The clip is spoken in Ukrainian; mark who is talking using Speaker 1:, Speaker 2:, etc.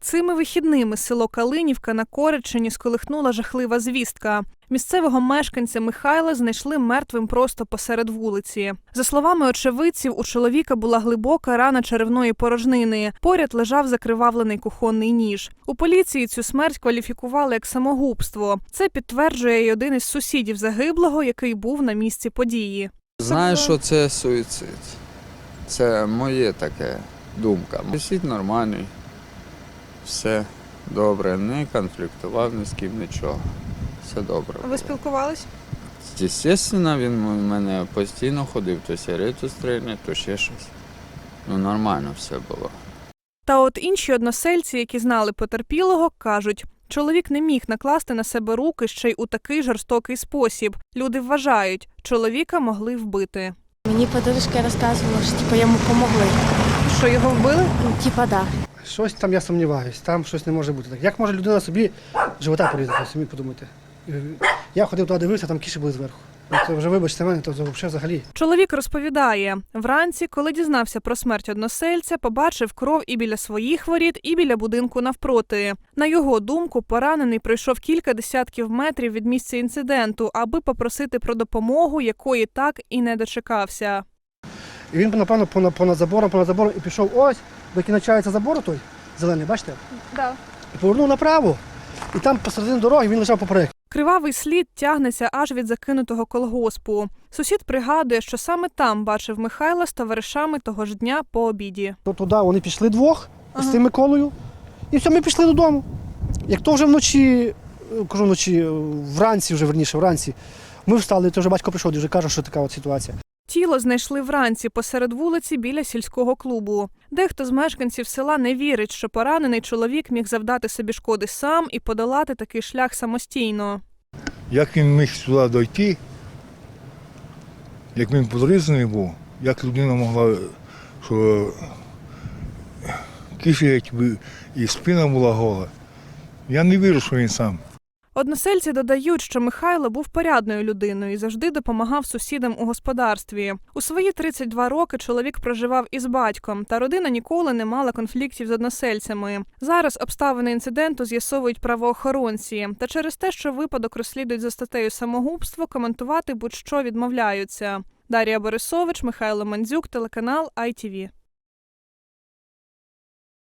Speaker 1: Цими вихідними село Калинівка на Кореччині сколихнула жахлива звістка. Місцевого мешканця Михайла знайшли мертвим просто посеред вулиці. За словами очевидців, у чоловіка була глибока рана черевної порожнини. Поряд лежав закривавлений кухонний ніж. У поліції цю смерть кваліфікували як самогубство. Це підтверджує й один із сусідів загиблого, який був на місці події.
Speaker 2: Знаю, що це суїцид. Це моє таке думка. Сусід нормальний, все добре, не конфліктував ні з ким, нічого. Все добре.
Speaker 1: Ви спілкувались?
Speaker 2: Звісно, він у мене постійно ходив, то сигарету стрільне, то ще щось. Ну, нормально все було.
Speaker 1: Та от інші односельці, які знали потерпілого, кажуть, чоловік не міг накласти на себе руки ще й у такий жорстокий спосіб. Люди вважають, чоловіка могли вбити.
Speaker 3: Мені подружка розказувала, що йому допомогли.
Speaker 1: Що, його вбили?
Speaker 3: Да.
Speaker 4: Щось там я сумніваюсь, там щось не може бути так. Як може людина собі живота порізати, самі подумайте. Я ходив туди, дивився, там кіші були зверху. Це вже, вибачте мене, то взагалі.
Speaker 1: Чоловік розповідає, вранці, коли дізнався про смерть односельця, побачив кров і біля своїх воріт, і біля будинку навпроти. На його думку, поранений пройшов кілька десятків метрів від місця інциденту, аби попросити про допомогу, якої так і не дочекався.
Speaker 4: І він, напевно, понад забором і пішов ось, до кінчається забор той, зелений, бачите?
Speaker 1: Да.
Speaker 4: І повернув направо, і там посередині дороги він лежав поперек.
Speaker 1: Кривавий слід тягнеться аж від закинутого колгоспу. Сусід пригадує, що саме там бачив Михайла з товаришами того ж дня по обіді.
Speaker 4: То туди вони пішли двох з тим Миколою, і все, ми пішли додому. Як то вже вночі, вранці, ми встали, то вже батько прийшов і вже каже, що така от ситуація.
Speaker 1: Тіло знайшли вранці посеред вулиці біля сільського клубу. Дехто з мешканців села не вірить, що поранений чоловік міг завдати собі шкоди сам і подолати такий шлях самостійно.
Speaker 5: Як він міг сюди дойти, як він подрізаний був, як людина могла, що киші і спина була гола. Я не вірю, що він сам.
Speaker 1: Односельці додають, що Михайло був порядною людиною і завжди допомагав сусідам у господарстві. У свої 32 роки чоловік проживав із батьком, та родина ніколи не мала конфліктів з односельцями. Зараз обставини інциденту з'ясовують правоохоронці. Та через те, що випадок розслідують за статтею самогубство, коментувати будь-що відмовляються. Дар'я Борисович, Михайло Мандзюк, телеканал ITV.